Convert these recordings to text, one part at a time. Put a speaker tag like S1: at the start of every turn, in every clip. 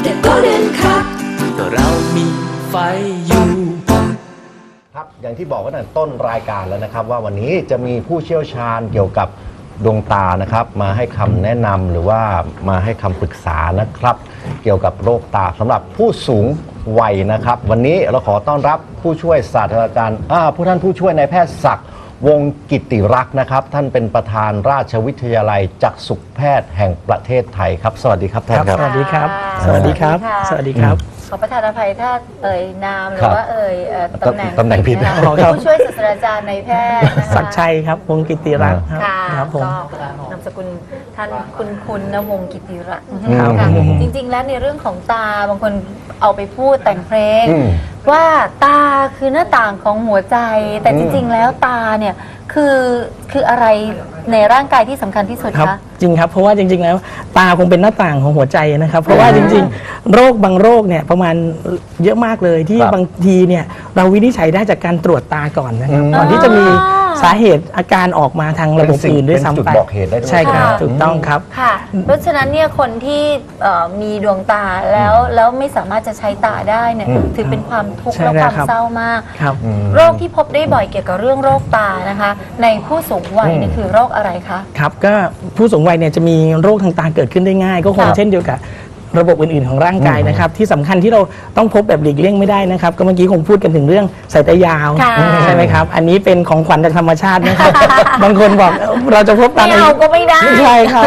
S1: The Golden Cup
S2: ก็เรามีไฟอยู่
S3: ครับอย่างที่บอกกันตั้งแต่ต้นรายการแล้วนะครับว่าวันนี้จะมีผู้เชี่ยวชาญเกี่ยวกับดวงตานะครับมาให้คำแนะนำหรือว่ามาให้คำปรึกษานะครับเกี่ยวกับโรคตาสำหรับผู้สูงวัยนะครับวันนี้เราขอต้อนรับผู้ช่วยศาสตราจารย์ท่านผู้ช่วยนายแพทย์ศักดิ์วงศ์กิติรักษ์นะครับท่านเป็นประธานราชวิทยาลัยจักษุแพทย์แห่งประเทศไทยครับสวัสดีครับท่านครับ
S4: สวัสดีครับ
S5: สวัสดีครับ
S4: สวัสดีครับ
S5: ขอประทานอภัยถ้าเอ่ยนามหรือว่าเอ่ยตำแหน่ง
S3: ผิด
S5: นะคะ
S4: ครับ
S5: ผู้ช่วยศาสตราจารย์ในแพทย์นะคะ
S4: ศักดิ์ชัยครับวงศ์กิติรักษ์
S5: ค่ะ
S4: ครับผม
S5: ก็นามสกุลท่านคุณนะวงศ์กิติรักษ์
S4: ครับ
S5: ค่ะจริงๆแล้วในเรื่องของตาบางคนเอาไปพูดแต่งเพลง ว่าตาคือหน้าต่างของหัวใจ แต่จริงๆแล้วตาเนี่ยคืออะไรในร่างกายที่สำคัญที่สุด
S4: ครับ
S5: คะ
S4: จริงครับเพราะว่าจริงๆแล้วตาคงเป็นหน้าต่างของหัวใจนะครับเพราะว่าจริงๆโรคบางโรคเนี่ยประมาณเยอะมากเลยที่
S3: ครับ
S4: บางทีเนี่ยเราวินิจฉัยได้จากการตรวจตาก่อนนะครับก่อนที่จะมีสาเหตุอาการออกมาทางระบบอื่นด้วยซ้ำไป
S3: เป็นจุดบอกเหตุได้ด้วย
S4: ใช่ครับ
S5: ค่ะ
S4: ถูกต้องครับ
S5: ค่ะ เพราะฉะนั้นเนี่ยคนที่มีดวงตาแล้วไม่สามารถจะใช้ตาได้เนี่ยถือเป็นความทุกข์
S4: ใช่
S5: และ
S4: แล้ว
S5: ความ
S4: ครับ
S5: เศร้ามาก
S4: ครับ
S5: โรคที่พบได้บ่อยเกี่ยวกับเรื่องโรคตานะคะ ในผู้สูงวัยเนี่ยคือโรคอะไรคะ
S4: ครับก็ผู้สูงวัยเนี่ยจะมีโรคทางตาเกิดขึ้นได้ง่าย ก็คง
S5: ครับ
S4: เช่นเดียวกับระบบอื่นๆของร่างกายนะครับที่สำคัญที่เราต้องพบแบบหลีกเลี่ยงไม่ได้นะครับก็เมื่อกี้คงพูดกันถึงเรื่องสายตายาว
S5: ค่ะ
S4: ใช่ไหมครับอันนี้เป็นของขวัญจากธรรมชาตินะครับ บางคนบอกเราจะพบตอน
S5: ไม่เอาก็ไม่ได้
S4: ใช่ครับ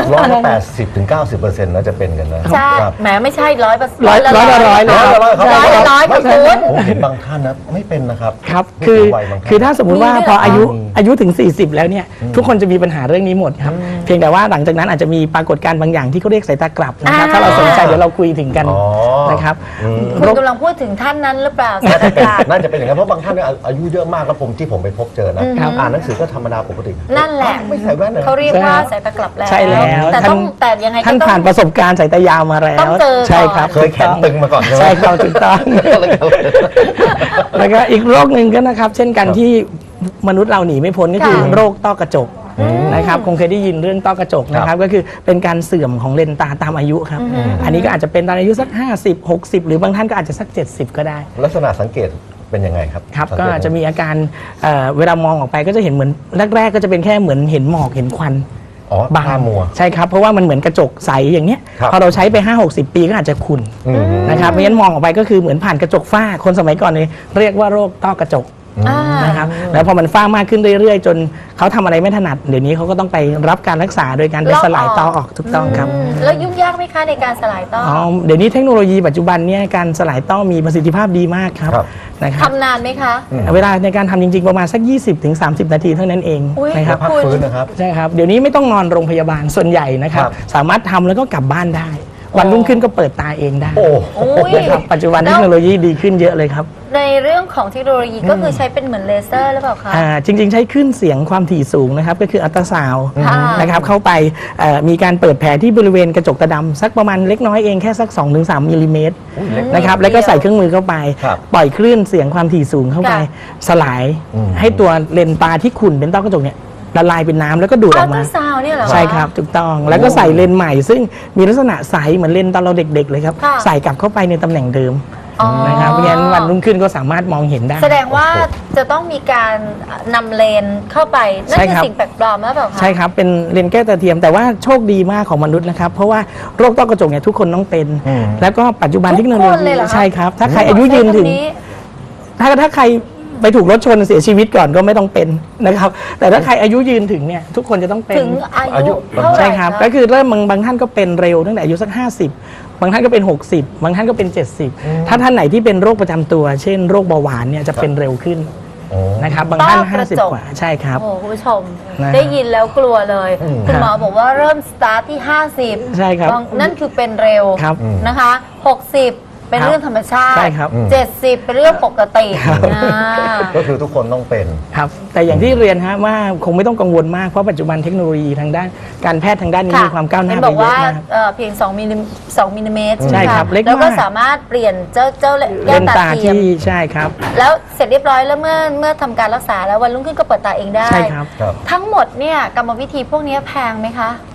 S3: 80-90%แล้วจะเป็นกันนะ
S5: ใช่
S3: ครับ
S5: แหมไม่ใช่100%
S4: ร้อยละร้อยเลยครับ
S5: ร้อยละร้อยค่ะคุณ
S3: ผมเห็นบางท่านนะไม่เป็นนะครับ
S4: ครับ
S3: ผู้
S4: คือ
S3: สูงวัยบางท่าน
S4: คือถ้าสมมุติว่า
S5: มีด้วย
S4: พอ
S5: เหรอ
S4: อายุถึง 40 แล้วเนี่ยทุกคนจะมีปัญหาเรื่องนี้หมดครับเพียงแต่ว่าหลังจากนั้นอาจจะมีปรากฏการณ์บางอย่างที่เขาเรียกสายตากลับนะครับถ้าเราสนใจเดี๋ยวเราคุยถึงกัน
S3: อ๋อ
S4: นะครับ
S5: คุณกำลังพูดถึงท่านนั้นหรือเปล่าศาสตราจารย์
S3: น่าจะเป็นอย่างนั้นเพราะบางท่านเนี่ยอายุเยอะมากแล้วที่ผมไปพบเจอนะอ่านหนังสือก็ธรรมดาปกติ
S5: นั่นแหละ
S3: ไม่ใส่แว่นเลย
S5: เขาเรียกว่าสายตากลับแล้ว
S4: ใช่แล้ว
S5: แต่
S4: ท่าน
S5: ต้องแต่ยังไงก็
S4: ท่าน
S5: ต้อง
S4: ผ่านประสบการณ์สายตายาวมาแล้ว
S5: ต้องเจอก่อน
S4: ใช่ครับ
S3: เคยแขนตึงมาก่อนใช่ไหม
S4: ใช่ครับถูกต้องแล้วก็อีกโรคหนึ่งก็นะครับ เช่นกันที่มนุษย์เราหนีไม่พ้นก็คือ
S5: ค่ะ
S4: โรคต้อกระจกนะครับคงเคยได้ยินเรื่องต้อกระจกนะครับก็คือเป็นการเสื่อมของเลนส์ตาตามอายุครับอันนี้ก็อาจจะเป็นตอนอายุสัก50 60 หรือบางท่านก็อาจจะสัก70ก็ได้
S3: ลักษณะสังเกตเป็นยังไงครับ
S4: ครับ
S3: สัง
S4: ก็
S3: เต
S4: จะมีอาการเวลามองออกไปก็จะเห็นเหมือนแรกๆก็จะเป็นแค่เหมือนเห็นหมอกเห็นควัน
S3: อ๋อบ
S4: าง
S3: ตามัว
S4: ใช่ครับเพราะว่ามันเหมือนกระจกใสอย่างเนี้ย
S3: ครับ
S4: พอเราใช้ไป 5-60 ปีก็อาจจะขุ่นนะครับเพราะฉะนั้นมองออกไปก็คือเหมือนผ่านกระจกฝ้าคนสมัยก่อนเนี่ยเรียกว่าโรคต้อกระจก
S5: อ่า
S4: นะครับแล้วพอมันฝ้ามากขึ้นเรื่อยๆ จนเขาทำอะไรไม่ถนัดเดี๋ยวนี้เขาก็ต้องไปรับการรักษาโดยการไปสลายต้อออกถูกต้องครับ
S5: แล้วยุ่งยากไหมคะในการสลายต้อ
S4: อ๋อเดี๋ยวนี้เทคโนโลยีปัจจุบันเนี่ยการสลายต้อมีประสิทธิภาพดีมากครับ
S3: ครับ
S4: นะครับ
S5: ทำนานไหมคะ
S4: เวลาในการทำจริงๆประมาณสัก 20-30 นาทีเท่านั้นเอง
S5: อุ๊ย
S4: นะครับ
S3: พักฟื้นนะครับ
S4: ใช่ครับเดี๋ยวนี้ไม่ต้องนอนโรงพยาบาลส่วนใหญ่นะครับ
S3: ครับ
S4: สามารถทำแล้วก็กลับบ้านได้ วันรุ่งขึ้นก็เปิดตาเองได้
S3: โอ้
S5: อุ๊ย
S4: นะครับปัจจุบันเทคโนโลยีดีขึ้นเยอะเลยครับ
S5: ในเรื่องของเทคโนโลยีก็คือใช้เป็นเหมือนเลเซอร์หรือเปล่าคะ
S4: จริงๆใช้คลื่นเสียงความถี่สูงนะครับก็คืออัลตราซาวด์
S5: ค่ะ
S4: นะครับเข้าไปมีการเปิดแผลที่บริเวณกระจกตาดำสักประมาณเล็กน้อยเองแค่สัก 2-3 มิลลิเมตรนะครับแล้วก็ใส่เครื่องมือเข้าไป
S3: ครับ
S4: ปล่อยคลื่นเสียงความถี่สูงเข้าไป
S5: ค่ะ
S4: สลายให้ตัวเลนส์ตาที่ขุ่นเป็นต้อกระจกเนี่ยละลายเป็นน้ำแล้วก็ดูดอ
S5: อั
S4: อ
S5: ล
S4: ก
S5: ต
S4: มา
S5: ราซาวน์เนี่ยเหรอคะ
S4: ใช่ครับถูกต้องแล้วก็ใส่เลนส์ใหม่ ซึ่งมีลักษณะใสเหมือนเลนส์ตอนเราเด็กๆเลยครับ
S5: ค่ะ
S4: ใส่กลับเข้าไปในตำแหน่งเดิม
S5: อ๋อ
S4: นะครับเพราะฉะนั้นวันรุ่งขึ้นก็สามารถมองเห็นได้
S5: แสดงว่าจะต้องมีการนำเลนเข้าไปนั่น
S4: ใช่
S5: คือ
S4: ครับ
S5: สิ่งแปลกปลอมหรือเปล่าคะ
S4: ใช่ครับเป็นเลนส์แก้วตาเทียมแต่ว่าโชคดีมากของมนุษย์นะครับเพราะว่าโรคต้อกระจกเนี่ยทุกคนต้องเป็น แล้วก็ปัจจุบัน
S5: ทุก
S4: เทคโนโล
S5: คนเล
S4: ยี
S5: ยเหรอคะ
S4: ใช่ครับถ้าใครอายุยืนถึง
S5: ใช้คำนี้
S4: ถ้าใครไปถูกรถชนเสียชีวิตก่อนก็ไม่ต้องเป็นนะครับแต่ถ้าใครอายุยืนถึงเนี่ยทุกคนจะต้องเป็น
S5: ถึงอา
S3: อายุ
S5: ยุเท่าไหร่
S4: ใช่ครับ
S5: ะ
S4: ก็คือเริ่มบางท่านก็เป็นเร็วตั้งแต่อายุสัก 50 บางท่านก็เป็น 60 บางท่านก็เป็น 70 ถ้าท่านไหนที่เป็นโรคประจำตัว เช่นโรคเบาหวานเนี่ยจะเป็นเร็วขึ้นนะครับบางท่าน
S5: ต้อกระจก
S4: 50 กว่าใช่ครับ
S5: โอ้โหคุณผู้ชม
S4: นะ
S5: ได้ยินแล้วกลัวเลย คุณหมอบอกว่าเริ่มสตาร์ทที่ 50
S4: ใช่ครับ
S5: นั่นคือเป็นเร็ว
S4: ครับ
S5: นะคะ 60 เป็นเรื่องธรรมชาติ
S4: ใช่ครับ
S5: 70 เป็นเรื่องปกติอ่า
S3: ก็คือทุกคนต้องเป็น
S4: ครับแต่อย่างที่เรียนฮะว่าคงไม่ต้องกังวลมากเพราะปัจจุบันเทคโนโลยีทางด้านการแพทย์ทางด้านนี้มีความก้าวหน้า
S5: เห็
S4: ไป
S5: บอก
S4: เย
S5: ว่า
S4: อะมาก
S5: เพียง2มิลลิเมตร
S4: ใช่ครับเล็กมาก
S5: แล้วก็สามารถเปลี่ยนเจ้าแก้
S4: เล
S5: วน
S4: ส์
S5: ตา
S4: ตา
S5: เทียม
S4: ที่ใช่ครับ
S5: แล้วเสร็จเรียบร้อยแล้วเมื่อทำการรักษาแล้ววันรุ่งขึ้นก็เปิดตาเองได้
S4: ใช่ครับ
S3: ครับ
S5: ทั้งหมดเนี่ยกรรมวิธีพวกนี้แพงไหมคะ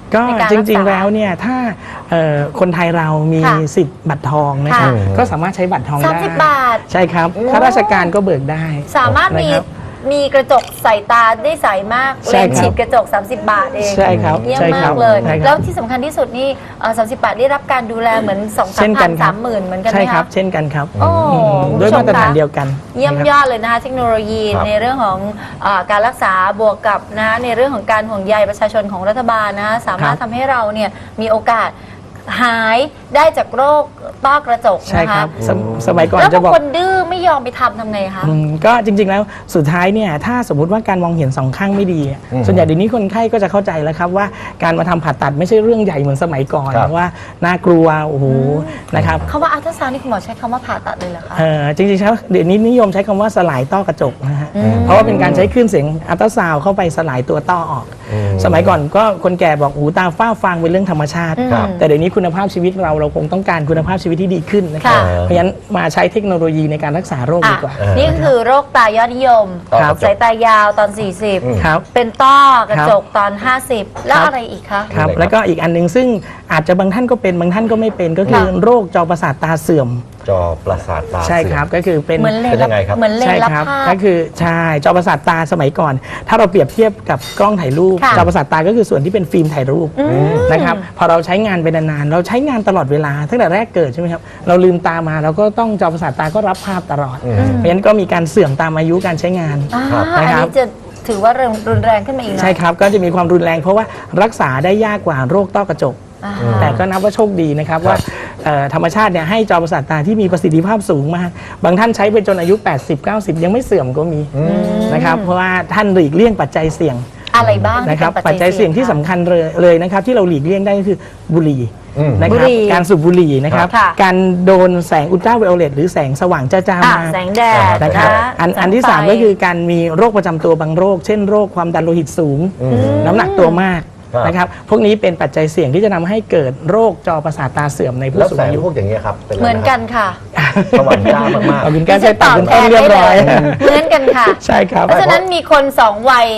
S4: ก็
S5: ในการ
S4: จ
S5: รักษา
S4: ริงๆแล้วเนี่ยถ้าคนไทยเรามี
S5: ค่ะ
S4: สิทธิ์บัตรทองนะคะ
S5: ค่ะ
S4: ก็สามารถใช้บัตรทองได้
S5: 30 บาท
S4: ใช่ครับข้าราชการก็เบิกได้
S5: สามารถ
S4: นะครับ
S5: มีกระจกใส่ตาได้ใสมาก
S4: ใช่
S5: เลน
S4: ครับ
S5: ฉีดกระจก 30 บาทเอง
S4: ใช่ครับ
S5: เยี่ยม
S4: ใช่ค
S5: มา
S4: รับ
S5: กเลย
S4: ใช่ครับ
S5: แล้วที่สำคัญที่สุดนี่30 บาทได้รับการดูแลเหมือน2
S4: เช่น
S5: 3
S4: กั
S5: พั
S4: น
S5: น
S4: ครับ
S5: 30,000เหมือนกันไห
S4: ใช่
S5: ม
S4: ครั
S5: คะ
S4: บเช่นกันครับ
S5: โอ้
S4: ด้วยมาตรฐาน
S5: คุณผู้ชมคะ
S4: เดียวกัน
S5: เยี่ยม
S4: นะครับ
S5: ยอดเลยนะคะเทคโนโลยี
S3: ครับ
S5: ในเรื่องของการรักษาบวกกับนะในเรื่องของการห่วงใยประชาชนของรัฐบาลนะคะสามารถ
S4: ครับ
S5: ทำให้เราเนี่ยมีโอกาสหายได้จากโรคต้อกระจก
S4: ใช่
S5: นะ
S4: ครั
S5: คะ
S4: บสมัยก่อน
S5: แล้ว
S4: จะ
S5: บาง
S4: บอก
S5: คนดื้อไม่ยอมไปทำไงคะ
S4: ก็จริงๆแล้วสุดท้ายเนี่ยถ้าสมมุติว่าการมองเห็นสองข้างไม่ดีส่วนใหญ่เดี๋ยวนี้คนไข้ก็จะเข้าใจแล้วครับว่าการมาทำผ่าตัดไม่ใช่เรื่องใหญ่เหมือนสมัยก่อน
S3: ครับ
S4: ว่าน่ากลัวโอ้โหนะครับ
S5: คำว่าอัลตราซาวน์นี่คุณหมอใช้คำว่าผ่าตัดเลยเหรอคะ
S4: จริงๆแล้วเดี๋ยวนี้นิยมใช้คำว่าสลายต้อกระจกนะฮะเพราะว่าเป็นการใช้คลื่นเสียงอัลตราซาวด์เข้าไปสลายตัวต้อออก สมัยก่อนก็คนแก่บอกหูตาฝ้าฟางเป็นเรื่องธรรมชาติ
S3: ครับ
S4: แต่เดี๋ยวนี้คุณภาพชีวิตเราคงต้องการคุณภาพชีวิตที่ดีขึ้นนะครับ
S5: ค่ะ
S4: เพราะฉะนั้นมาใช้เทคโนโลยีในการรักษาโรคดีกว่า
S5: นี่คือโรคตายอดนิยม
S3: ครับ
S5: สายตายาวตอน
S4: ครับ
S5: 40 เป็นต้อกระจกตอน 50 แล้ว
S4: ครับ
S5: อะไรอีกคะ
S4: ครับ
S3: เลยครับ
S4: แล้วก็อีกอันหนึงซึ่งอาจจะบางท่านก็เป็นบางท่านก็ไม่เป็นก็คือ
S5: ค่ะ
S4: โรคจอประสาทตาเสื่อม
S3: จอประสาทตา
S4: ใช่ครับก็คือเป็น
S5: เหมือนเลน
S3: เป็นยังไงครับ
S5: เหมือนเลน
S4: ใช่
S5: รับ
S4: ครับ
S5: ภาพ
S4: ก็คือใช่จอประสาทตาสมัยก่อน ถ้าเราเปรียบเทียบกับกล้องถ่ายรูป
S5: ค่ะ
S4: จอประสาทตาก็คือส่วนที่เป็นฟิล์มถ่ายรูปนะครับพอเราใช้งานไปนานๆเราใช้งานตลอดเวลาตั้งแต่แรกเกิดใช่ไหมครับเราลืมตามาเราก็ต้องจอประสาทตาก็รับภาพตลอด เพราะฉะนั้นก็มีการเสื่อมตามอายุการใช้งาน
S3: ครับ
S5: อัน
S4: นะครับ
S5: นี้จะถือว่ารุนแรงขึ้นมาอีกหน่อย
S4: ใช่ครับก็จะมีความรุนแรงเพราะว่ารักษาได้ยากกว่าโรคต้อกระจก
S5: อ่า
S4: แต่ก็นับว่าโชคดีนะครับว่าธรรมชาติเนี่ยให้จอประสาทตาที่มีประสิทธิภาพสูงมาก บางท่านใช้ไปจนอายุ 80-90 ยังไม่เสื่อมก็มีนะครับเพราะว่าท่านหลีกเลี่ยงปัจจัยเสี่ยง
S5: อะไรบ้างที่
S4: นะครับ
S5: เป็น
S4: ปัจจัยเสี่ยงที่สำ
S5: คะ
S4: คัญเลยนะครับที่เราหลีกเลี่ยงได้ก็คือบุหรี่ นะค
S5: บุ
S4: รับ
S5: หรี่
S4: การสูบบุหรี่นะครับ
S5: ค่ะ
S4: การโดนแสงอุลตราไวโอเลตหรือแสงสว่างจ้าๆ
S5: อ่ะ
S4: มา
S5: แสงแดด
S4: นะครับ
S5: นะ
S4: อันที่
S5: แสงไฟ
S4: 3 ก็คือการมีโรคประจำตัวบางโรค เช่นโรคความดันโลหิตสูง น้ำหนักตัวมาก
S3: ครับ
S4: นะครับพวกนี้เป็นปัจจัยเสี่ยงที่จะทำให้เกิดโรคจอประสาทตาเสื่อมในผู้
S3: แล้ว
S4: สูง
S3: แสง
S4: อายุ
S3: พวกอย่างเงี้ยครับเป็นอะไร
S5: เหมือนกัน
S3: ครับ
S5: ค่ะ
S3: สว่างจ้ามาก
S4: ขอบคุณ
S5: ดิ
S4: การ
S5: ฉั
S4: ใช้
S5: น
S4: ตั
S5: ต
S4: ด
S5: อบ
S4: คุณ
S5: แท
S4: ต้น
S5: น
S4: เรีย
S5: ได้
S4: บ
S5: เล
S4: ร้อย
S5: ยเหมือนกันค่ะ
S4: ใช่ครับ
S5: เพราะฉะนั้นมีคน2 วัย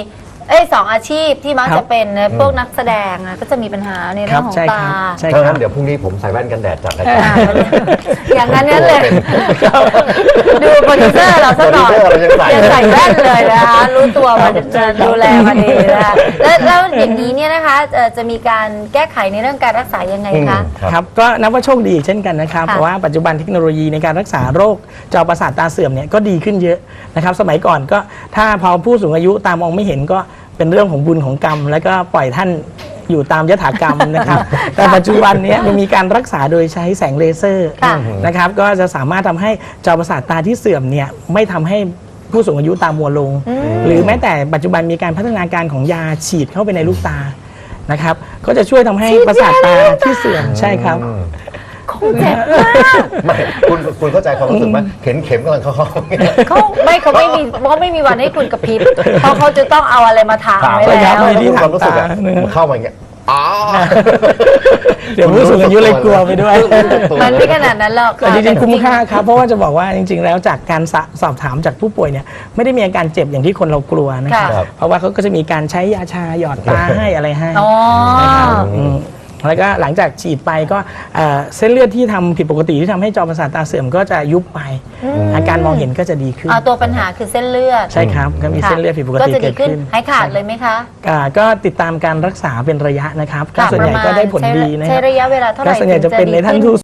S5: 2 อาชีพที่มัก
S4: ครับ
S5: จะเป็นพวกนักแสดงนะก็จะมีปัญหาในเรื่องของ
S4: ใช่
S5: ตา
S4: ครับใช่
S3: ๆ
S4: ค
S3: ถ้า
S4: รั
S3: งั้
S4: บ
S3: นเดี๋ยวพรุ่งนี้ผมใส่แว่นกันแดดจัดราย
S5: อ่า
S3: การ
S5: อย่างนั้นนั่นเลย ดูโปรดิวเซอร์เราสักหน่อย
S3: โปรดิวเซอร์เรายังใส่
S5: แว่นเลยนะคะรู้ตัวว่าจะดูแลมาดีนะคะแล้วอย่างนี้เนี่ยนะคะจะมีการแก้ไขในเรื่องการรักษายังไงคะ
S4: ครับก็นับว่าโชคดีเช่นกันนะครับ
S5: ค่ะ
S4: เพราะว่าปัจจุบันเทคโนโลยีในการรักษาโรคจอประสาทตาเสื่อมเนี่ยก็ดีขึ้นเยอะนะครับสมัยก่อนก็ถ้าพอผู้สูงอายุตามองไม่เห็นก็เป็นเรื่องของบุญของกรรม แล้วก็ปล่อยท่านอยู่ตามยถากรรมนะครับ แต่ปัจจุบันเนี้มันมีการรักษาโดยใช้แสงเลเซอร์
S5: ค่ะ
S4: นะครับก็จะสามารถทำให้จอประสาทตาที่เสื่อมเนี่ยไม่ทำให้ผู้สูงอายุตามัวลง หรือแม้แต่ปัจจุบันมีการพัฒนาการของยาฉีดเข้าไปในลูกตานะครับก็จะช่วยทำให้ประสาทตาที่เสื่อมใช่ครับ
S5: คงเจ็บมาก
S3: ไม่คุณเข้าใจความรู้สึกไหมเข็นเข็มกำลังเข้า
S5: เขาไม่มีวันให้คุณกระพริบเพราะเขาจะต้องเอาอะไรมาถางไว้
S4: ใช่ครั
S5: แล้
S4: บ
S5: ว
S4: มีที่
S3: ความรู้สึกอะ
S4: ถางตา
S3: มันเข้ามาอย่างเงี้ยอ๋อ
S4: เดี๋ยวผู้สูงอายุเลยกลัวไปด้วย
S5: มันไม่ขนาดนั้นหรอก
S4: แต่จริงๆคุ้มค่าครับเพราะว่าจะบอกว่าจริงๆ แล้วจากการสอบถามจากผู้ป่วยเนี่ยไม่ได้มีอาการเจ็บอย่างที่คนเรากลัวนะครับ
S3: ครับ
S4: เพราะว่าเขาก็จะมีการใช้ยาชาหยอดตาให้อะไรให้
S5: อ๋อ
S4: แล้วก็หลังจากฉีดไปก็เส้นเลือดที่ทำผิดปกติที่ทำให้จอประสาทตาเสื่อมก็จะยุบไป อาการมองเห็นก็จะดีขึ้น
S5: ตัวปัญหาคือเส้นเลือด
S4: ใช่ครับก็มีเส้นเลือดผิดปก
S5: ก็
S4: ติ
S5: จะดี
S4: เกิด
S5: ขึ้น
S4: ขึ้น
S5: หายขาดเลยไหมคะ
S4: ก็ติดตามการรักษาเป็นระยะนะครับก็
S5: ค่ะ
S4: ส่วนใหญ่
S5: ประมาณ
S4: ก็ได้ผลดีนะค
S5: ใช้
S4: รับ
S5: ระยะเวลาเท่าไห
S4: ก็
S5: ร่
S4: ส่วนใหญ่จะเป็นในท่าน
S5: ถึง
S4: ผู้